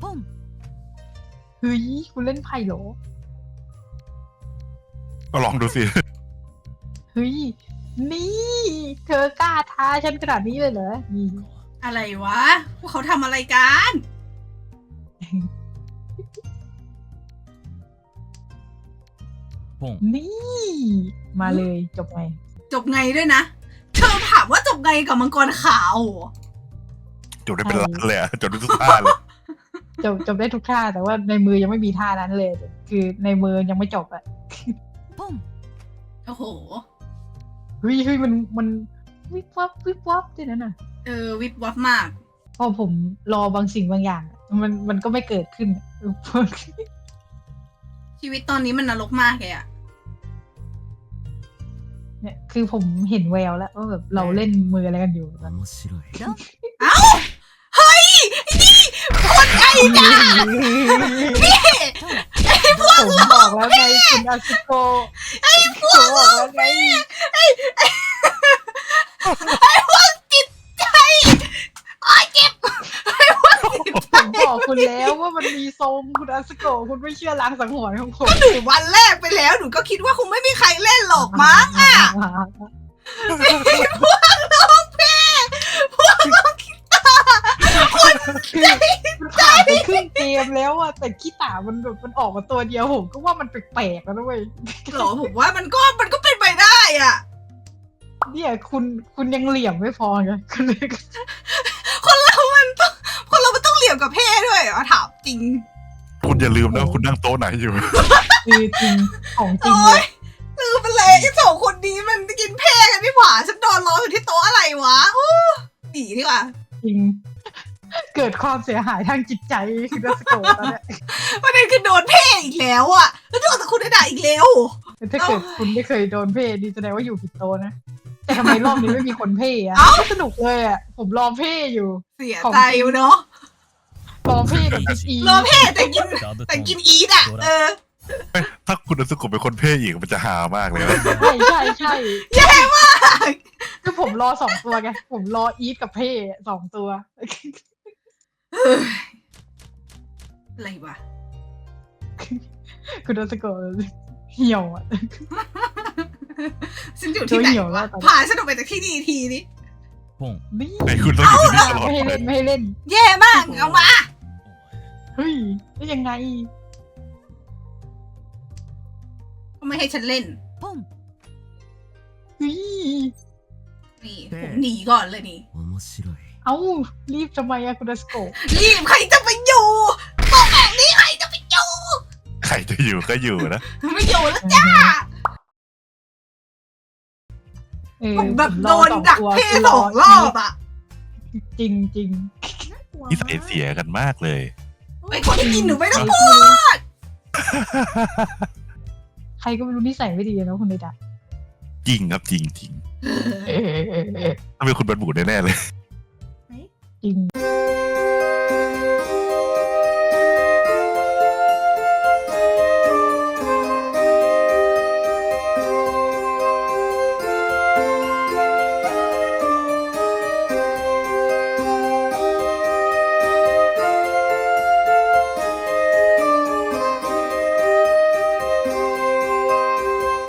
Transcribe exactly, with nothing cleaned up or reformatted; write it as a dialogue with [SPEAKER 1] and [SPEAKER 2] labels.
[SPEAKER 1] เฮ้ยคุณเล่นไพ่เหรอ
[SPEAKER 2] ก็ลองดูสิ
[SPEAKER 1] เฮ้ยนี่เธอกล้าท้าฉันขนาดนี้เลยเหรอนี่
[SPEAKER 3] อะไรวะพวกเขาทำอะไรกัน
[SPEAKER 1] นี่มาเลยจบไง
[SPEAKER 3] จบไงด้วยนะเธอถามว่าจบไงกับมังกรขาว
[SPEAKER 2] จบได้เป็นล้านเลยอะจบได้ทุกท่าเลย
[SPEAKER 1] จบจบได้ทุกท่าแต่ว่าในมือยังไม่มีท่านั้นเลย คือในมือยังไม่จบอะ
[SPEAKER 3] โอ้โห
[SPEAKER 1] เฮ้ยเฮ้ยมันมันวิบวับวิบวับด้วยนั่นน่ะ
[SPEAKER 3] เออวิบวับมาก
[SPEAKER 1] พอผมรอบางสิ่งบางอย่างอะมันมันก็ไม่เกิดขึ้นอะเออ
[SPEAKER 3] ชีวิตตอนนี้มันนรกมากเลยอะ
[SPEAKER 1] เนี่ยคือผมเห็นแววแล้วว่าแบบเราเล่นมืออะไรกันอยู่ตอนนี้
[SPEAKER 3] เอ้าเฮ้ยนี่คนไอ้ด่าพี่ไอ้พวก
[SPEAKER 1] ผมบอกแล้วไงคุณอาซิโกไอ้พวกบอกแล้วไง
[SPEAKER 3] ไอ้พวกจิตใจอ้อยเจ็บไอ้พวกจิตใจ
[SPEAKER 1] ผมบอกคุณแล้วว่ามันมีทรงคุณอาซิโกคุณไม่เชื่อล้างสังหรณ์ของผม
[SPEAKER 3] หนูวันแรกไปแล้วหนูก็คิดว่าคงไม่มีใครเล่นหรอกมั้งอ่ะพวกน้องเพ่พวกน้องคิดตาคน
[SPEAKER 1] คือมันผ่านไปครึ่งเกมแล้วอะแต่ขี้ตามันแบบมันออกมาตัวเดียวผมก็ว่ามันแปลกๆแล้วนะเว้ย
[SPEAKER 3] หรอผมว่ามันก็มันก็เป็นไปได้อ่ะ
[SPEAKER 1] เนี่ยคุณคุณยังเหลี่ยมไม่พอไงคุณเลย
[SPEAKER 3] คนเรามันต้องคนเรามันต้องเหลี่ยมกับเพ่ด้วยเหรอถามจริง
[SPEAKER 2] คุณอย่าลืมนะว่าคุณนั่งโต๊ะไหนอยู่
[SPEAKER 1] คือจริงของจริง
[SPEAKER 3] โอ๊
[SPEAKER 1] เลย
[SPEAKER 3] ยลืมไปเลยไอ้สองคนนี้มันกินเพ่กันนี่หว่าฉันนอนรออยู่ที่โต๊ะอะไรวะโอ้หนีดีกว่า
[SPEAKER 1] จริง เกิดความเสียหายทางจิตใจคือดัสโกตอนเนี้ย
[SPEAKER 3] ประเด็นคือโดนเพ่อีกแล้วอ่ะแล้วโดนแต่คุณได้ด่าอีกแล้ว
[SPEAKER 1] ถ้าเกิดคุณไม่เคยโดนเพ่ดีแสดงว่าอยู่ผิดโตะนะ แต่ทำไมรอบนี้ไม่มีคนเพ่อะก็สนุกเลยอะผมรอเพ่อยู่
[SPEAKER 3] เสียใจอยู่เนาะ
[SPEAKER 1] รอเพ่กับพิกอี
[SPEAKER 3] รอเพ่แต่กินแต่กินอีทอ่ะเออ
[SPEAKER 2] ถ้าคุณอสุกุเป็นคนเพ่อีกมันจะหามากเลยนะ
[SPEAKER 1] ใช่ใช่ใช่
[SPEAKER 3] แย่มาก
[SPEAKER 1] คือผมรอสองตัวไงผมรออีทกับเพ่สองตัว
[SPEAKER 3] เฮ้ยอะไรวะ
[SPEAKER 1] คุณดัสโกเหี่ยวอะ
[SPEAKER 3] ฉันอยู่ที่ไหน
[SPEAKER 1] เหี่ยวแล้ว
[SPEAKER 3] ะ
[SPEAKER 1] วตอนนี้
[SPEAKER 3] พาฉันออกไปจากที่นี่ทีนี้
[SPEAKER 1] นี่
[SPEAKER 2] ไอ้คุณต้องอยู่ที่นี่ตลอด
[SPEAKER 1] ไม่ให้
[SPEAKER 2] ไป
[SPEAKER 1] เล่นไม่ให้เล่น
[SPEAKER 3] แย่มากเอามา
[SPEAKER 1] เฮ้ยได้ยังไง
[SPEAKER 3] ไม่ให้ฉันเล่น
[SPEAKER 1] เฮ้ย
[SPEAKER 3] นี่ผมหนีก่อนเลยนี่
[SPEAKER 1] เอ้ารีบทำไมอะคุณดัสโก
[SPEAKER 3] รีบใครจะไปอยู่บอกแบบนี้ใครจะไปอยู่
[SPEAKER 2] ใครจะอยู่ก็อยู่นะ
[SPEAKER 3] ไม่อยู่แล้วจ้า
[SPEAKER 1] เออ
[SPEAKER 3] ผมแบบ
[SPEAKER 1] ผมร
[SPEAKER 3] โด
[SPEAKER 1] อน สอง
[SPEAKER 3] ดัก
[SPEAKER 1] ตัว
[SPEAKER 3] เพ่
[SPEAKER 1] คือ
[SPEAKER 3] สองรอบอ่ะ
[SPEAKER 1] จริงจริง
[SPEAKER 2] นิสัยเสียกันมากเลย
[SPEAKER 3] ไอคนที่กินหนูไม่ต้องพูด
[SPEAKER 1] ใครก็ไม่รู้นิสัยไม่ดีนะคุณเดดะ
[SPEAKER 2] จริงครับจริงจริง
[SPEAKER 1] เออเออเออ
[SPEAKER 2] ถ้าเป็นคุณบันบูดแน่ๆเลย
[SPEAKER 1] จริง